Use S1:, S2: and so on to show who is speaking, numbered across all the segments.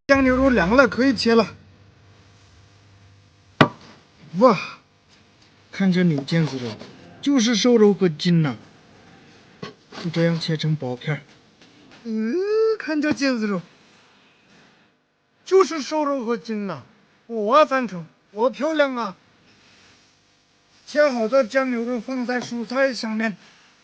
S1: 酱牛肉凉了，可以切了。哇，看这牛腱子肉，就是瘦肉和筋呐、就这样切成薄片儿。看这腱子肉，就是瘦肉和筋呐、我赞成，多漂亮啊！切好的酱牛肉放在蔬菜上面，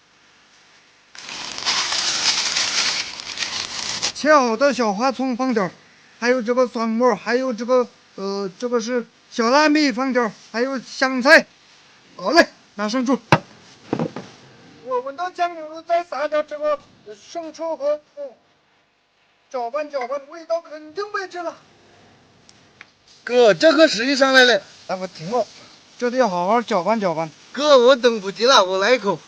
S1: 切好的小花葱放点儿，还有这个蒜末，还有这个这个是小辣米放点儿，还有香菜。好嘞，拿上桌。我闻到酱牛肉，再撒点这个生抽和搅拌搅拌，味道肯定没这了。
S2: 哥，这可时宜上来了。
S1: 大哥停了，这得要好好搅拌搅拌。
S2: 哥，我等不及了，我来一口。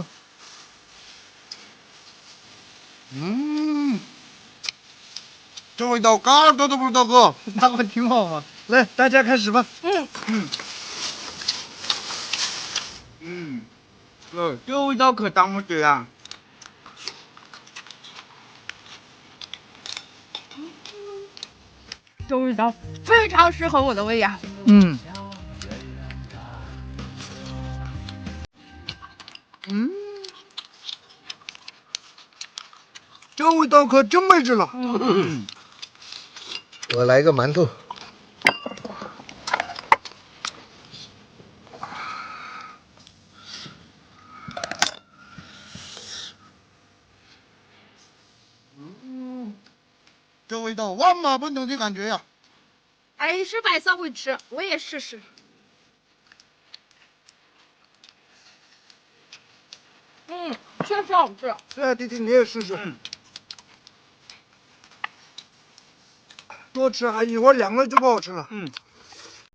S2: 这味道嘎多都不知道，哥。
S1: 大哥挺好啊。来，大家开始吧。
S2: 哥，这味道可当不起啊。
S3: 这味道非常适合我的胃呀。
S1: 这味道可真没治了。
S2: 我来个馒头。
S1: 这味道万马奔腾的感觉呀！
S3: 哎，是白色会吃，我也试试。确实好吃。
S1: 对啊，弟弟你也试试。多吃啊，一会儿凉了就不好吃了。